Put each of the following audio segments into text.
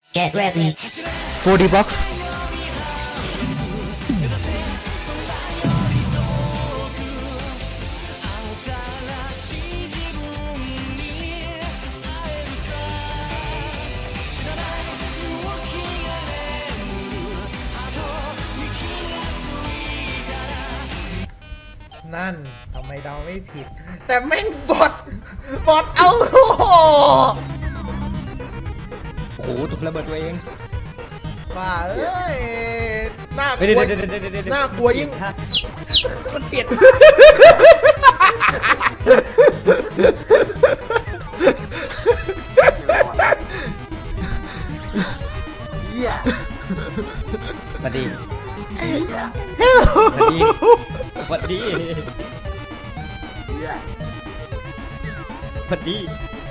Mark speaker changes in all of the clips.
Speaker 1: Get ready.
Speaker 2: 4D box
Speaker 3: นั่นทำไมเดาไม่ผิด แต่แม่งบอดเอาโอ้โห
Speaker 2: โอ้โหถูกระเบิดตัวเอง
Speaker 3: บ้าเอ้ยน่าก
Speaker 2: เฮ้ย
Speaker 3: ลัว
Speaker 2: เดี๋ยว
Speaker 3: น่ากลัวยิ่ง
Speaker 2: มันเปลี่ยนสวัสดีสวัสดีสวัสดีสวัสดี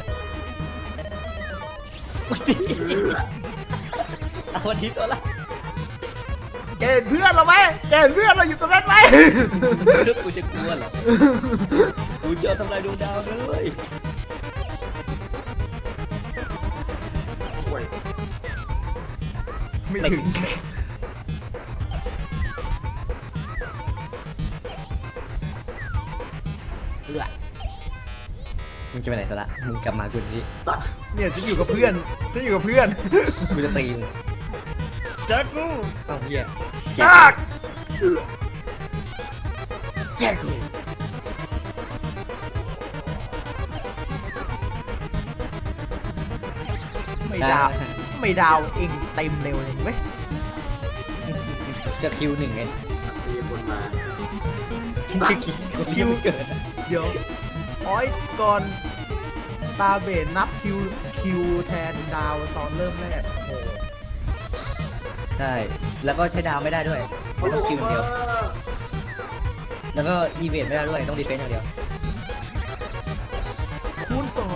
Speaker 2: เอาวันนี้ตัวละ
Speaker 3: แกเห็นเพื่อนเราไหมแกเห็นเพื่อนเราอยู่ตรงนั้นไหม
Speaker 2: นึกกูจะกลัวเหรอกูจะทำลายดวงดาวเลย
Speaker 3: ไม่ถึง
Speaker 2: มึงจะไปไหนซะละมึงกลับมากูนี้
Speaker 3: เนี่ยฉันอยู่กับเพื่อนฉันอยู่กับเพื่อน
Speaker 2: กูจะตีมึง
Speaker 3: แจ็คกู
Speaker 2: เอ้าเฮีย
Speaker 3: แจ็ค
Speaker 2: แจ็คกู
Speaker 3: ไม่ดาวเองเต็มเร็วเลยไหม
Speaker 2: จะคิวหนึ่งไง
Speaker 4: มีคนมา
Speaker 2: คิวเกิด
Speaker 3: เดี๋ยวอ้อยก่อนตาเบนนับคิวแทนดาวตอนเริ่มแรกโอ้โห
Speaker 2: ใช่แล้วก็ใช้ดาวไม่ได้ด้วยต้องคิวอย่างเดียวแล้วก็อีเวนต์ไม่ได้ด้วยต้องดีเฟนต์อย่างเดียว
Speaker 3: คูณ2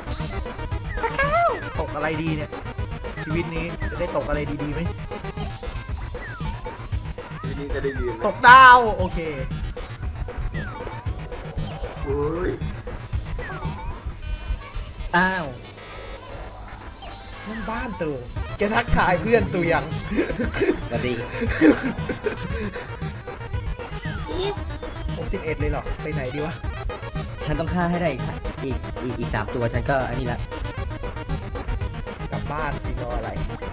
Speaker 3: ตกอะไรดีเนี่ย ชีวิตนี้จะได้ตกอะไรดีๆไหม
Speaker 4: ทีนี้จะได้ยืนไหม
Speaker 3: ตกดาวโอเค
Speaker 4: โอ้ย
Speaker 2: อ้าว
Speaker 3: นั่นบ้านตัวแกทักทายเพื่อนตัวยัง
Speaker 2: สวัสดี
Speaker 3: 61เลยเหรอ ไปไหนดีวะ
Speaker 2: ฉันต้องฆ่าให้ได้อีก3ตัวฉันก็อันนี้ละ
Speaker 3: กลับบ้านสิรออะไร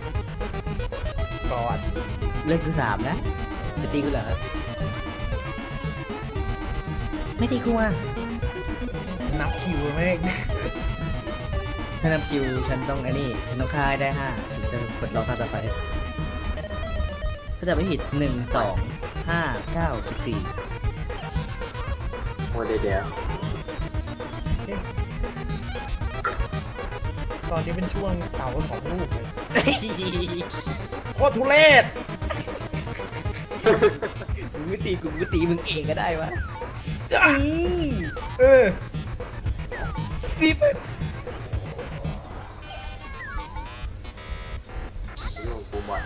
Speaker 3: ก่อน
Speaker 2: เลือกคือ3นะจะตีกูเหรอไม่ตีกูอ่ะ
Speaker 3: นับคิวแม่ง
Speaker 2: ถ้านำคิวฉันต้องอันนี้ฉันต้องฆ่าให้ได้5ถึงจะกดรอฆ่าต่อไปก็จะไม่ผิด1 2 5 9 14
Speaker 4: โอ้เดี๋ยว
Speaker 3: ตอนนี้เป็นช่วงเต่า2 ลูกเลยโคตรทุเรศ
Speaker 2: กูไม่ตีมึงเองก็ได้วะ
Speaker 3: เออ
Speaker 2: รีบไป
Speaker 4: เรื่องกูบ่อย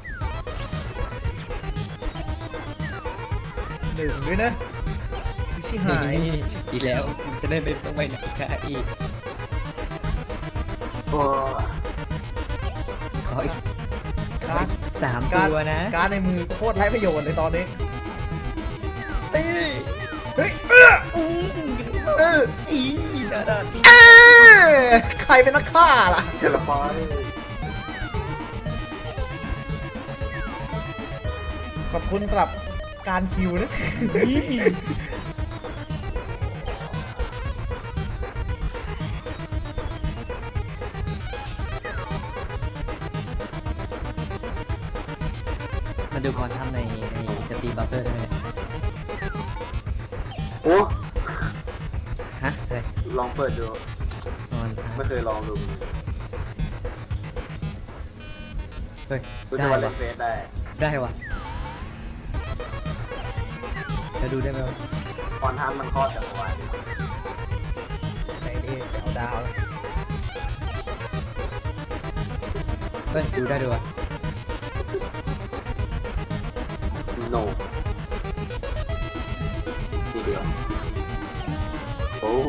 Speaker 3: 1ด้วยนะพิชิหาย
Speaker 2: อีกแล้วจะได้ไม่ต้องไปไหนค่ะอีก
Speaker 4: โอ้
Speaker 2: ขออีก
Speaker 3: การ์ด
Speaker 2: 3
Speaker 3: การ์ด
Speaker 2: ตัวนะ
Speaker 3: การ์ดในมือโคตรไร้ประโยชน์เลยตอนนี้
Speaker 2: ตี
Speaker 3: เฮ้ย
Speaker 2: อีดาดา
Speaker 3: ใครเป็นนักฆ่าล่ะ
Speaker 4: เจลปอย
Speaker 3: ขอบคุณสำหรับการคิวนะ
Speaker 2: มาดูพรทำในสตรีมบัฟเฟอร์ได้ไหมเนี่ย
Speaker 4: โอ้
Speaker 2: ฮะอะไร
Speaker 4: ลองเปิดดู
Speaker 2: พร
Speaker 4: ไม่เคยลองดู
Speaker 2: เฮ้ย
Speaker 4: กู
Speaker 2: ได้
Speaker 4: จะมาเล่
Speaker 2: วะ
Speaker 4: นเฟซได้
Speaker 2: ได้วะจะดูได้ไหมวะ
Speaker 4: ตอนทำมันคลอดจากเมื่อวาน
Speaker 3: ไหนดีจะเอาดาว
Speaker 2: เฮ้ยดูได้ด้วยวะ
Speaker 4: โนทีเดียวโอ้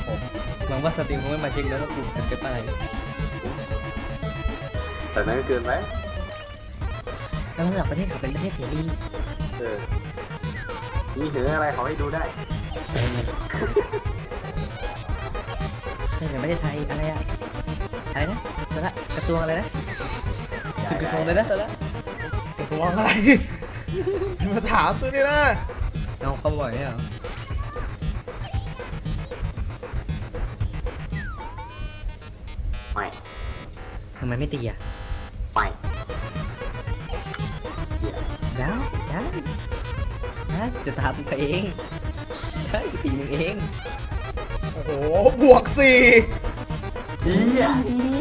Speaker 3: ผม
Speaker 2: หวังว่าสตรีมคงไม่มาเช็คแล้วว่ากูจะเก็บอะไร
Speaker 4: แต่นั้นก็เกินไป
Speaker 2: แล้วระดับประเทศเขาเป็นประเทศเสรี
Speaker 4: เออมีเหนืออะไรเขาให้ดูได้
Speaker 2: ใช่แต่ประเทศไทยอะไรอะอะไรนะสาระกระทรวงอะไรนะสุดกระทรวงเลยนะสาระ
Speaker 3: กระทรวงอะไร มาถามตัวนี้นะ
Speaker 2: เอาเขาบ่อยเนี่ยเหรอ
Speaker 4: ไม่
Speaker 2: ทำไมไม่ตีอ่ะ
Speaker 4: ไม่เหี้ย
Speaker 2: ได้จะทำเองใช่ตีมึงเอง
Speaker 3: โอ้โหบวก4
Speaker 4: เหี้ย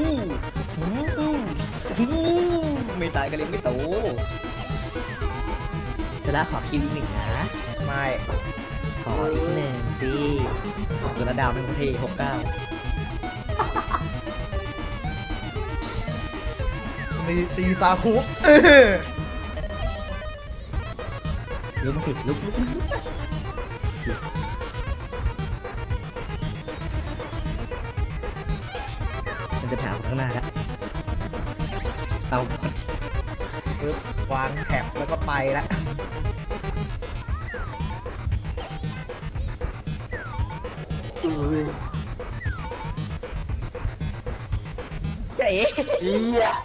Speaker 2: ไม่ตายก็เลี้ยงไม่โตสาระขอคิวอีกหนึ่งนะ
Speaker 3: ไม่
Speaker 2: ขออีกหนึ่งสิส่วนระดาวเป็นประเทศ69
Speaker 3: มีตีซาคุ
Speaker 2: ลุกมาสิลุกมันจะผ่านข้างหน้าแล้วเอา
Speaker 3: ปึ๊บวางแท็บแล้วก็ไปละ
Speaker 4: อุ้ย
Speaker 2: เจ๊
Speaker 4: เหี้ย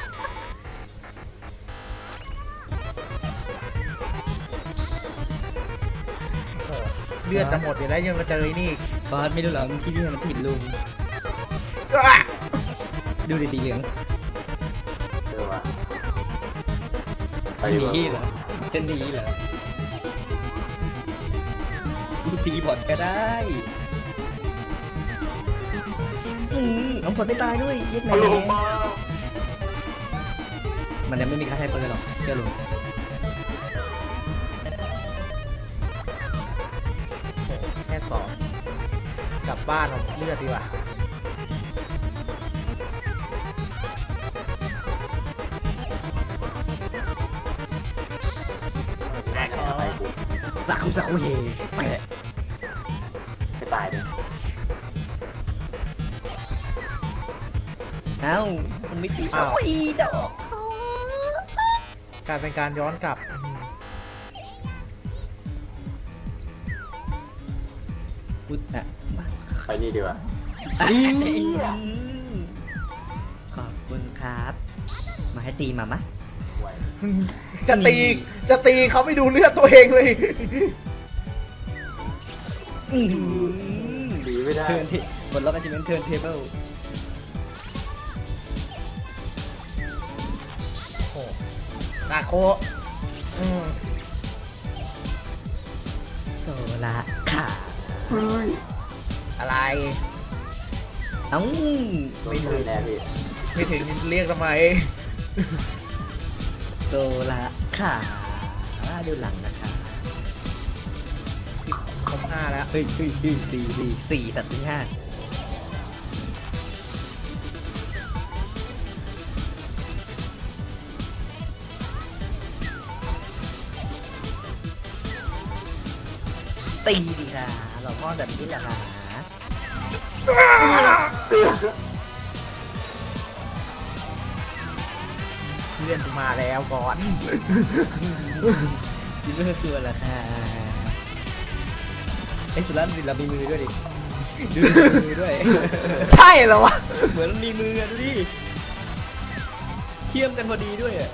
Speaker 3: โอ้โหเลือดจะหมดอยู่แล้วยังมาเจอไอ้นี่อีก
Speaker 2: ฟอสไม่รู้หรอกที่นี่มันผิดลุง
Speaker 3: อ่ะ
Speaker 2: ดูดีๆเหลือง
Speaker 4: เจอว่ะ
Speaker 2: จะหนีเหรอจะหนีเหรอกูตีบอลก็ได้เอาผลไม่ตายด้วยเย็ดแห
Speaker 4: ฮัลโหล
Speaker 2: ม่
Speaker 4: มา
Speaker 2: มันยังไม่มีใครใช้ปืนหรอกเชื่อลุง
Speaker 3: แค่2กลับบ้านเอาเลือดดีกว่า
Speaker 4: อะไรกู
Speaker 2: สักคุเฮไปเลย
Speaker 4: ไม่ตายเลย
Speaker 2: เอ้ามันไม่ตี
Speaker 3: อ้าว
Speaker 2: โอ้ยดอก
Speaker 3: กลายเป็นการย้อนกลับอืม
Speaker 2: กูอ่ะ
Speaker 4: ไปนี่ดีกว่า
Speaker 2: ขอบคุณครับ มาให้ตีมามะ
Speaker 4: ไว้
Speaker 3: จะตีเขาไม่ดูเลือดตัวเองเลย
Speaker 4: ดีไม่ได้
Speaker 2: เทิร์นเทบนล็อกกันจะเป็นเทิร์นเทเบิล
Speaker 3: โอ้นาโคอืม
Speaker 2: โซละขา
Speaker 4: เฮ้ย
Speaker 3: อะไร
Speaker 2: เอ้า
Speaker 4: ไม่
Speaker 2: ไม่
Speaker 4: เล
Speaker 2: เลย ย
Speaker 4: แน่พี่
Speaker 3: ไม่ถึงเรียกทำไม
Speaker 2: โซละขาดูหลังนะคะ
Speaker 3: ครบ5แล้ว
Speaker 2: เฮ้ยสี่ตัดที่ห้าตีดีค่ะเราพ่อแบบนี้แหละค่ะ
Speaker 3: เพื่อนมาแล้วก่อน
Speaker 2: ยิ้มไม่คือละค่ะไอ้สุรัตน์เรามีมือด้วยดิดูมีมือด้วย
Speaker 3: ใช่เหรอวะ
Speaker 2: เหมือนมีมืออะดูดิเชื่อมกันพอดีด้วยอะ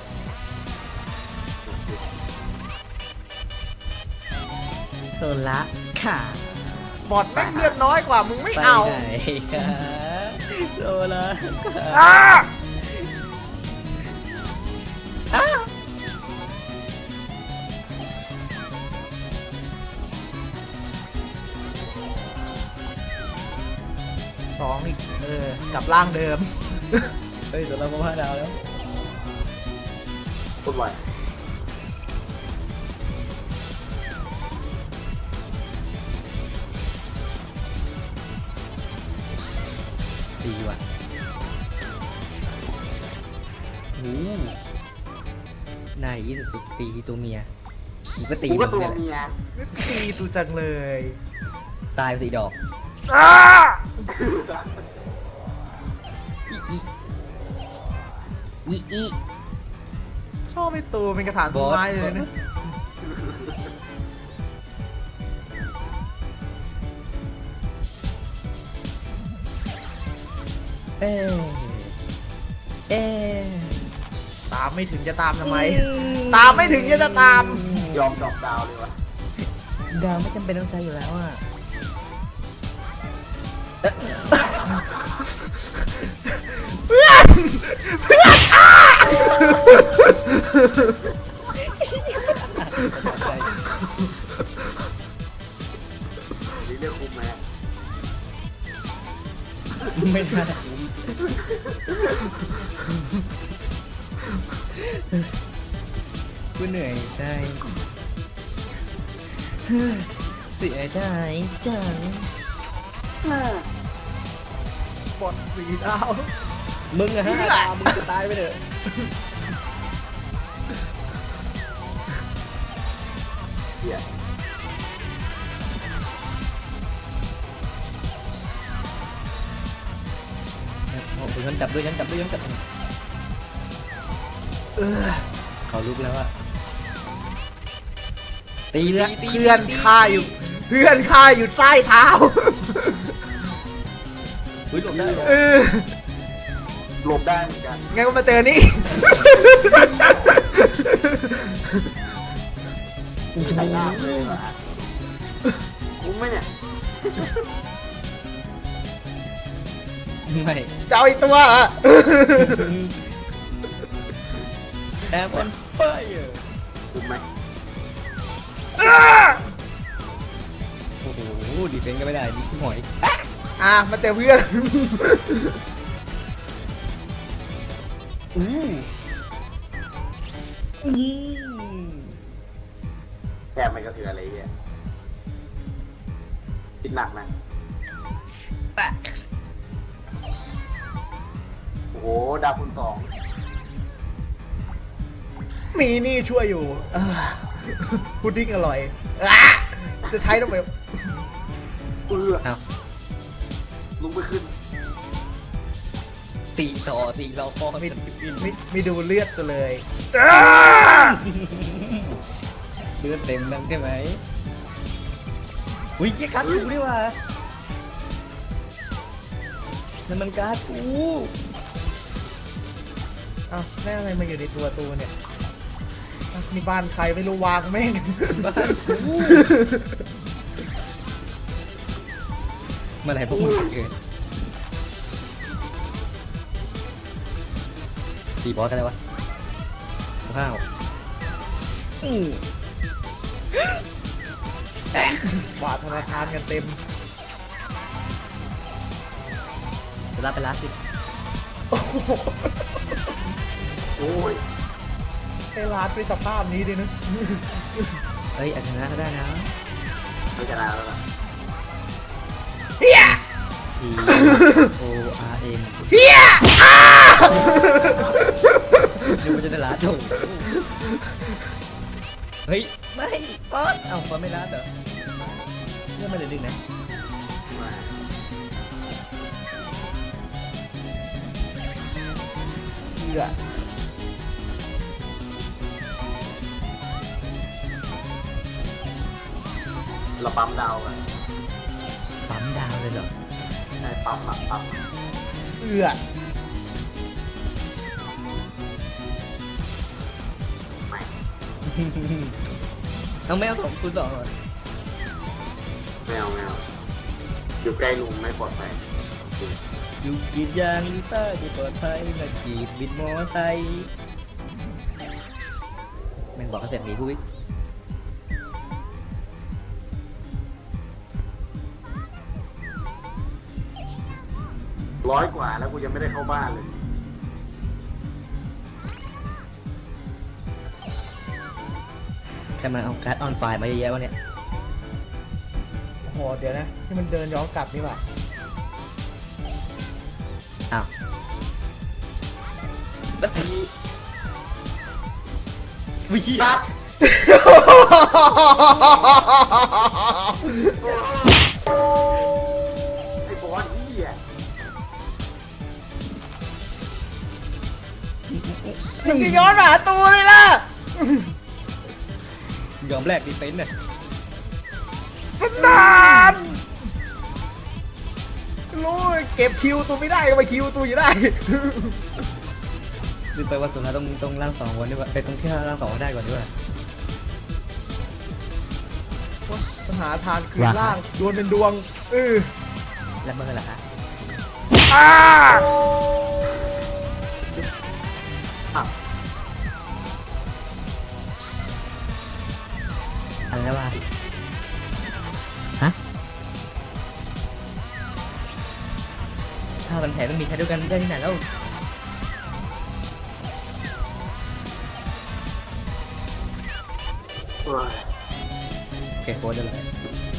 Speaker 2: โซละค่ะ
Speaker 3: บอดแม่งเลือดน้อยกว่ามึงไม่
Speaker 2: ไป
Speaker 3: เอา
Speaker 2: ไหนคะโซละค่ะ
Speaker 3: อ่ะ
Speaker 2: อ้า
Speaker 3: 2อีกกลับร่างเดิม
Speaker 2: เฮ้ยโซละมา5 ดาวแล้ว
Speaker 4: พูดไว้
Speaker 2: ดีว่ะโอ้นายยี่สุดตีตัวเมียมึงก็ตี
Speaker 4: กูก็
Speaker 2: มึง
Speaker 4: ตัว
Speaker 2: เนี่ยแหละ
Speaker 4: เมีย
Speaker 3: ตีตูจังเลย
Speaker 2: ตายไป4 ดอก
Speaker 3: อ้า
Speaker 2: อี
Speaker 3: ชอบไอ้ตัวเป็นกระถางต้นไม้เลยนะ
Speaker 2: เอ๊ะเอ๊ะ
Speaker 3: ตามไม่ถึงจะตามทำไม ตามไม่ถึงจะตาม
Speaker 4: ยอมดรอปดาวเลยวะ
Speaker 2: ดาวไม่จำเป็นต้องใช้อยู่แล้วอ่ะ
Speaker 4: นี่เรียกคุ้มไหม
Speaker 2: ไม่ได้กูเหนื่อยใจเสียใจจัง
Speaker 3: บอลสีดาว
Speaker 2: มึงอะฮะมึงจะตายไปเถอะ
Speaker 4: เหี้ย
Speaker 2: โอ้โหฉันจับด้วยฉันจับด้วยฉันจับด้วย
Speaker 3: เออ
Speaker 2: เขาลุกแล้วอะตี
Speaker 3: เพื่อน
Speaker 2: ตี
Speaker 3: เพื่อนข้าอยู่ เพื่อนข้าอยู่ใต้เท้า
Speaker 2: อุ้ยหลบได้เหรอ
Speaker 3: เออ
Speaker 4: หลบได้เหมือนกัน
Speaker 3: งั้นก็มาเจอนี่
Speaker 4: ใช้ลาบเลยว่ะคุ้มไหมเนี่ย
Speaker 2: ไม่
Speaker 3: เจ้าไอ้ตัวอะ
Speaker 2: แอปเปิลไฟร์
Speaker 4: คุ้มไหม
Speaker 2: โอ้โหดีเฟนส์ก็ไม่ได้ดิชิบหอย
Speaker 3: อ่ะมาเจอเพื่อน
Speaker 2: อืม
Speaker 4: แค่ไม่กระเทือนอะไรเงี้ยคิดหนักนะโอ้โหดาวคูณสอง
Speaker 3: มีนี่ช่วยอยู่เออพุดดิ้งอร่อยอ่ะจะใช้ทำไม
Speaker 4: เอื้อ
Speaker 2: เอา
Speaker 4: ลุกไม่ขึ้น
Speaker 2: ตีต่อตีเราคอไม่ติด
Speaker 3: ไม่ดูเลือดกันเลย
Speaker 2: เลือดเต็มนั่นใช่ไหมอุ้ยแกการ์ดกูนี่หว่านั่นมันการ์ดกู
Speaker 3: อ้าวแม่งอะไรมาอยู่ในตัวเนี่ยอ่ะนี่บ้านใครไม่รู้วางแม่ง
Speaker 2: บ้านกูเมื่อไหร่พวกมึงจะเกิดตีบอสกันเลยวะข้าวอืม
Speaker 3: บาทธนาคารกันเต็ม
Speaker 2: จะรับไปร้านสิ
Speaker 3: โอ้โห
Speaker 4: โอ้ย
Speaker 3: ไอ้ร้านเป็นสภาพนี้ดินะ
Speaker 2: เฮ้ยอาจจะชนะก็ได้นะ
Speaker 4: ไม่ชนะแล้วล่ะ
Speaker 3: เฮีย
Speaker 2: T O R M
Speaker 3: เฮีย
Speaker 2: นึกว่าจะได้ร้านถูกเฮ้ยไม่ป๊อดเอ้าป๊อดไม่ร้านเหรอเรื่องไม่ได้ดึงนะ
Speaker 4: มา
Speaker 3: เฮีย
Speaker 4: เราปั๊มดาวกัน
Speaker 2: ปั๊มดาวเลยเหรอ
Speaker 4: ใช่ปั๊มอะปั๊ม
Speaker 3: เอือ
Speaker 4: ไม่
Speaker 2: เอาไม่เอา2 คูณ 2เหรอ
Speaker 4: ไม่เอาอยู่ใกล้ลุงไม่ปลอดภัย
Speaker 2: อยู่กรีดยางลิต้าที่ปลอดภัยนักกรีดบิดมอไซค์แม่งบอกเขาเสร็จหนีกูอีก
Speaker 4: 100 กว่าแล้วกูยังไม่ได้เข้าบ้านเลย
Speaker 2: ใครมาเอาการ์ดออนไฟล์มาเยอะแยะวะเนี่ย
Speaker 3: โอ้โหเดี๋ยวนะที่มันเดินย้อนกลับนี่หว่า
Speaker 2: อ้าวแล้วทีวิธี
Speaker 4: ครับ
Speaker 3: เ
Speaker 4: หี้ย
Speaker 3: มึงจะย้อนมาหาตัวเลยล่ะ
Speaker 2: ยอมแลกดีเฟนต์เนี่ย
Speaker 3: สนานรู้เก็บคิวตัวไม่ได้ก็ไปคิวตัวอยู่ได้
Speaker 2: ลืมไปว่าสุดท้ายต้องร่างสองวันด้วยว่าไปต้องที่ร่างสองวันได้ก่อนด้วย
Speaker 3: ปัญหาทางคืนล่างดวลเป็นดวง
Speaker 2: แล้วเมื่อไหร่ฮะ
Speaker 3: อ่า
Speaker 2: อะไรแล้ววะฮะถ้ามันแผลต้องมีใช้ด้วยกันได้ที่ไหนแล้ว
Speaker 4: โอ้ย
Speaker 2: เก็บโค้ดได้เลย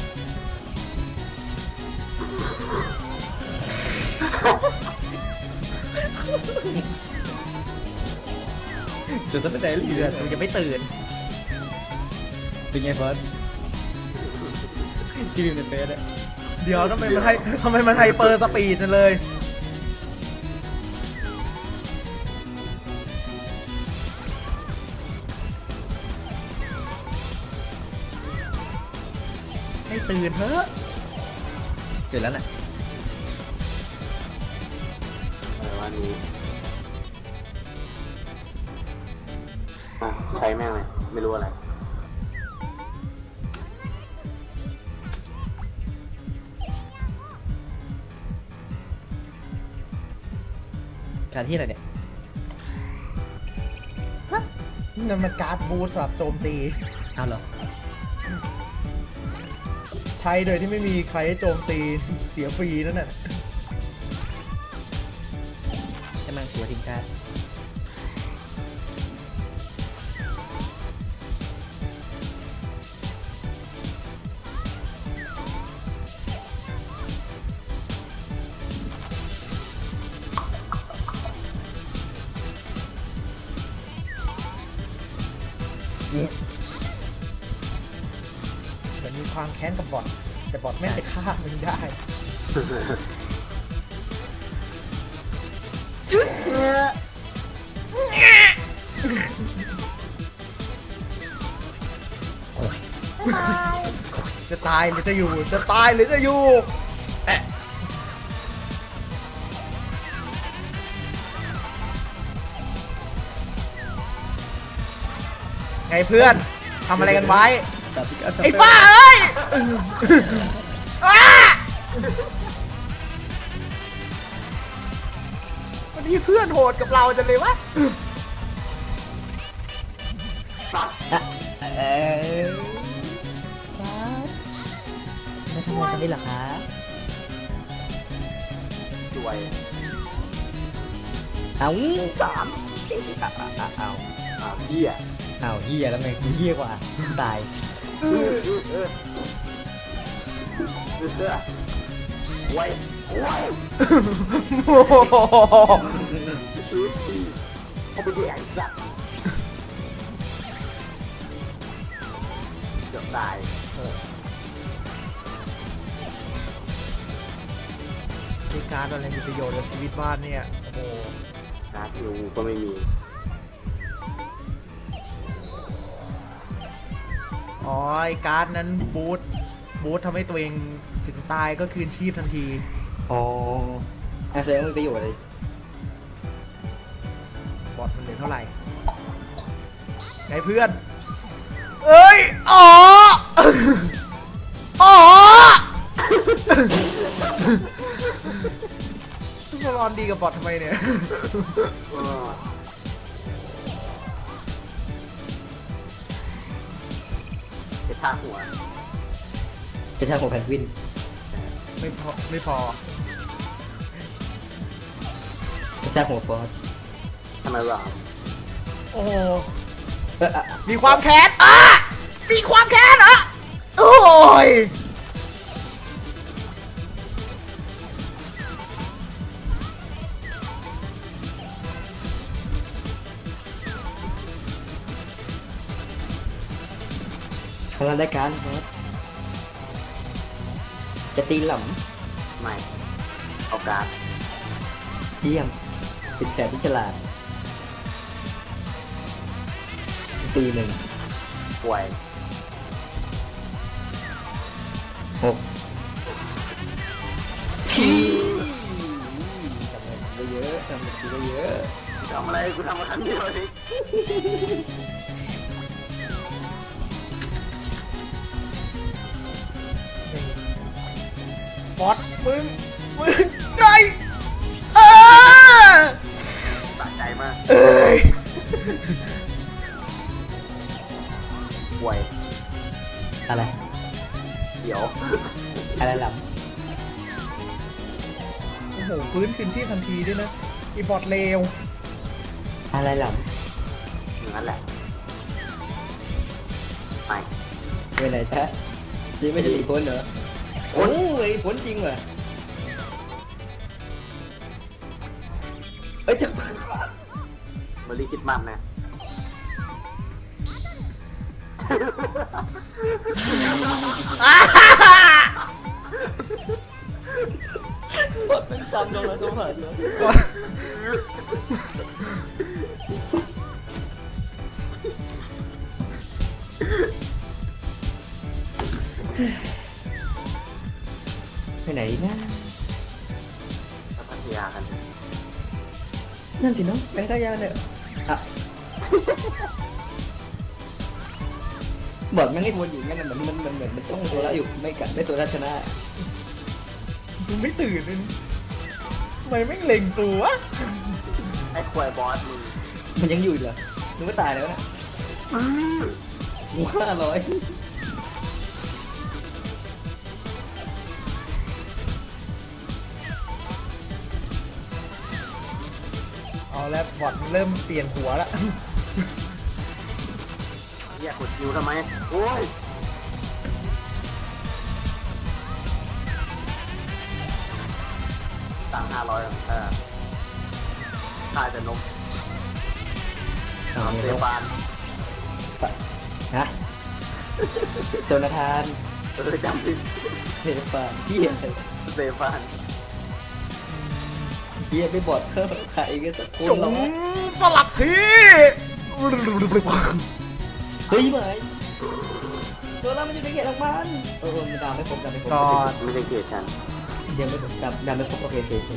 Speaker 2: จุดสัปดาห์เหลือ
Speaker 3: มึงจะไม่ตื่น
Speaker 2: เป็นไงเฟิร์สที่มีในเฟซอะ
Speaker 3: เดี๋ยวทำไมมันไฮเปอร์สปีดนั่นเลยให้ตื่นเถอะ
Speaker 2: จุดแล้วน่ะ
Speaker 4: อะไรวะนี้อ่ะใช้แม่งเลยไม่รู้อะไร
Speaker 2: การที่อะไรเนี่ย
Speaker 3: นั่นมันการ์ดบูสต์สำหรับโจมตี
Speaker 2: อ้าวเหรอ
Speaker 3: ใช้โดยที่ไม่มีใครให้โจมตีเสียฟรีนั่นน่ะ
Speaker 2: ใช่ไหมหัวทิ้งการ์ดนี่
Speaker 3: เหมือนมีความแค้นกับบอทแต่บอทแม่งจะฆ่ามันได้ จะตายหรือจะอยู่ จะตายหรือจะอยู่ไงเพื่อนทำอะไรกันไว้
Speaker 2: ตัดพิกัด
Speaker 3: ไอ้บ้าเอ้ยอ้าวันนี้เพื่อนโหดกับเราจังเลยวะ
Speaker 2: เออครับไม่ทำอะไรกันได้หรอคะ
Speaker 4: จวย
Speaker 2: เอาเอา
Speaker 4: เหี้ย
Speaker 2: เอาเฮียแล้วไงกูเฮียกว่าตาย
Speaker 4: ไว้ไว้
Speaker 3: โอ้โห
Speaker 4: เขาไปแดกสัตว์เกือบตาย
Speaker 3: มีการอะไรมีประโยชน์กับชีวิตบ้านเนี่ย โอ้โห
Speaker 4: นะยูก็ไม่มี
Speaker 3: อ๋อไอ้การ์ดนั้นบูททำให้ตัวเองถึงตายก็คืนชีพทันที
Speaker 2: อ๋อแสดงว่ามีประโยชน์เลย
Speaker 3: บอทมันเหลือเท่าไหร่ไงเพื่อน เอ้ย อ๋อ อ๋อทุกคนรอนดีกับบอททำไมเนี่ย
Speaker 4: ไปท่าหัว
Speaker 2: กระชากของแพนกวิน
Speaker 3: ไม่พอ ไม่พอ
Speaker 2: กระชากหัวฟอส
Speaker 4: ทำไมวะ
Speaker 3: โอ้โห
Speaker 2: เออ
Speaker 3: มีความแค้นอ่ะมีความแค้นเหรอโอ้ย
Speaker 2: ทำงานได้การฟอสจะตีหล่
Speaker 4: ไม่เอาการ์ด
Speaker 2: เยี่ยมเป็นแขกที่ฉลาดตีหนึ่ง
Speaker 4: ป่วย
Speaker 2: หกทีทำอะไรไปเยอะทำอะไรไปเยอะ
Speaker 4: ทำอะไรกูทำมาครั้งเดียวเอง
Speaker 3: บอสมึงไงเออ
Speaker 4: สะใจมาก
Speaker 3: เอ้ย
Speaker 4: ป่วย
Speaker 2: อะไร
Speaker 4: เดี๋ยว
Speaker 2: อะไรหลับ
Speaker 3: โอ้โหฟื้นคืนชีพทันทีด้วยนะอีบอสเลว
Speaker 2: อะไรหลับ
Speaker 4: อย่างนั้นแหละไป
Speaker 2: ไปไหนจ๊ะนี่ไม่ใช่อีกคนเหรอโอ้ยผลจริงว่ะเอ้ยจะ
Speaker 4: เมอรี่คิดมากนะ
Speaker 2: บทเป็นตามลงแล้วสมผัสเนอะ
Speaker 3: ก่อน
Speaker 2: ไปไหนนะ
Speaker 4: แล้วพัทยากัน
Speaker 2: นั่นสิเนาะไปท่ายาเนี่ยอ่ะบอดมันให้วนอยู่งั้นมันเหมือนมันต้องตัวละอยู่ไม่กัดไม่ตัวละชนะ
Speaker 3: มึงไม่ตื่นเลยทำไมไม่เล็งตัว
Speaker 4: ไอ้ควายบอสมึง
Speaker 2: มันยังอยู่อีกเหรอนึกว่าตายแล้วนะ500
Speaker 3: เอาแล้วบอสเริ่มเปลี่ยนหัวแล้ว
Speaker 4: เรียกกดคิวทำไมโอ้ยตังค์500ค่ายแต่นกเซฟาน
Speaker 2: ฮะโจนาธาน
Speaker 4: จำผิด
Speaker 2: เทฟานเฮีย
Speaker 4: เซฟาน
Speaker 2: เฮียไปบอดเพิ่มใครก็จะโค
Speaker 3: จ
Speaker 2: น
Speaker 3: ง
Speaker 2: ร้อง
Speaker 3: สลับที่
Speaker 2: เฮ้ยไหมโจนามันอยู่ในเขตของมันมันดาวไม่ครบดาวไม่ครบ
Speaker 3: ก่อน
Speaker 4: ไม่ใช่เกลียดฉัน
Speaker 2: เดี๋ยวไม่ครบดาวไม่ครบโอเคโอเค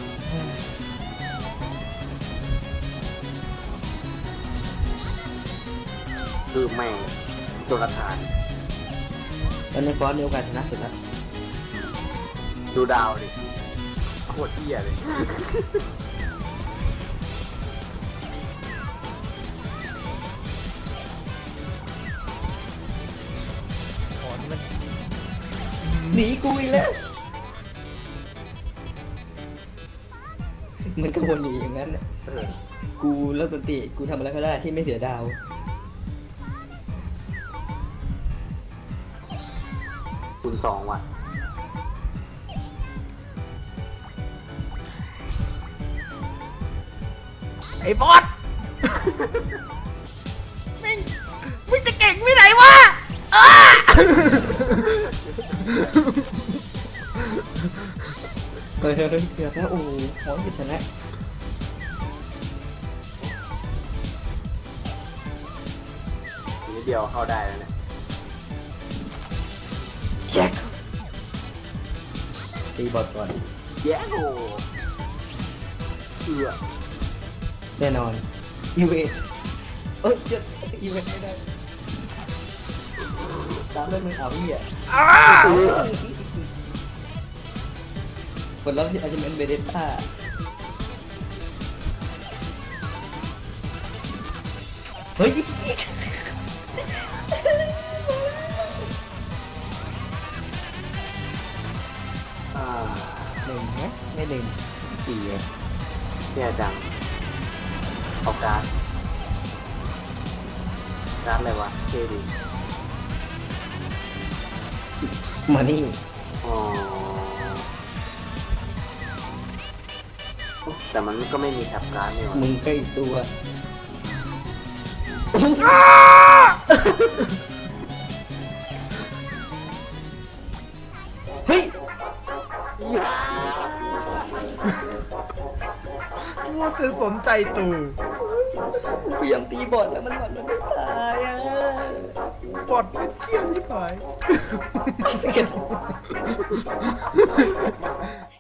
Speaker 4: คือแม่งโจนาธาน
Speaker 2: แล้วในฟอนต์มีโอกาสชนะสุดแล้ว
Speaker 4: ดูดาวดิโคตรเหี้ยเลย
Speaker 3: ก่อนมัน
Speaker 2: หนีกูอีกแล้วมันก็วนอยู่อย่างนั้นน่ะ
Speaker 4: เออ
Speaker 2: กูเลิกสติกูทำอะไรก็ได้ที่ไม่เสียดาว
Speaker 4: คูณ2ว่ะ
Speaker 3: ไอ้บอสมึงจะเก่งไม่ไหนวะอ้า
Speaker 2: เฮ้ยเกือบแล้วโอ้โหหอนจะชนะ
Speaker 4: นิดเดียวเข้าได้แล้วเนี่ย
Speaker 2: แจ็คตีบอลก่อน
Speaker 4: แย่โหเอือ
Speaker 2: แน่นอนอีเวนจะอีเวนไม่ได้ตามด้วยมือเอาพี่อ่ะ
Speaker 3: อ้า
Speaker 2: ผลลัพธ์ที่อาจจะเป็นเบเดต้าเฮ้ย
Speaker 4: อ่า
Speaker 2: หนึ่งนะไม่หนึ่งสี่อะ
Speaker 4: แย่จังเอาการ์ดอะไรวะเท่ดี
Speaker 2: มานี่
Speaker 4: อ๋อแต่มันก็ไม่มีแท็บการ์ดนี่หว่า
Speaker 2: มึงก็อีกตัวเฮ้ย
Speaker 4: อย่า
Speaker 3: วแต่สนใจตู
Speaker 2: พยายามตีบอลแล้วมันไม่ตายอ่ะ
Speaker 3: บอดเป็นเชี่ยสิพาย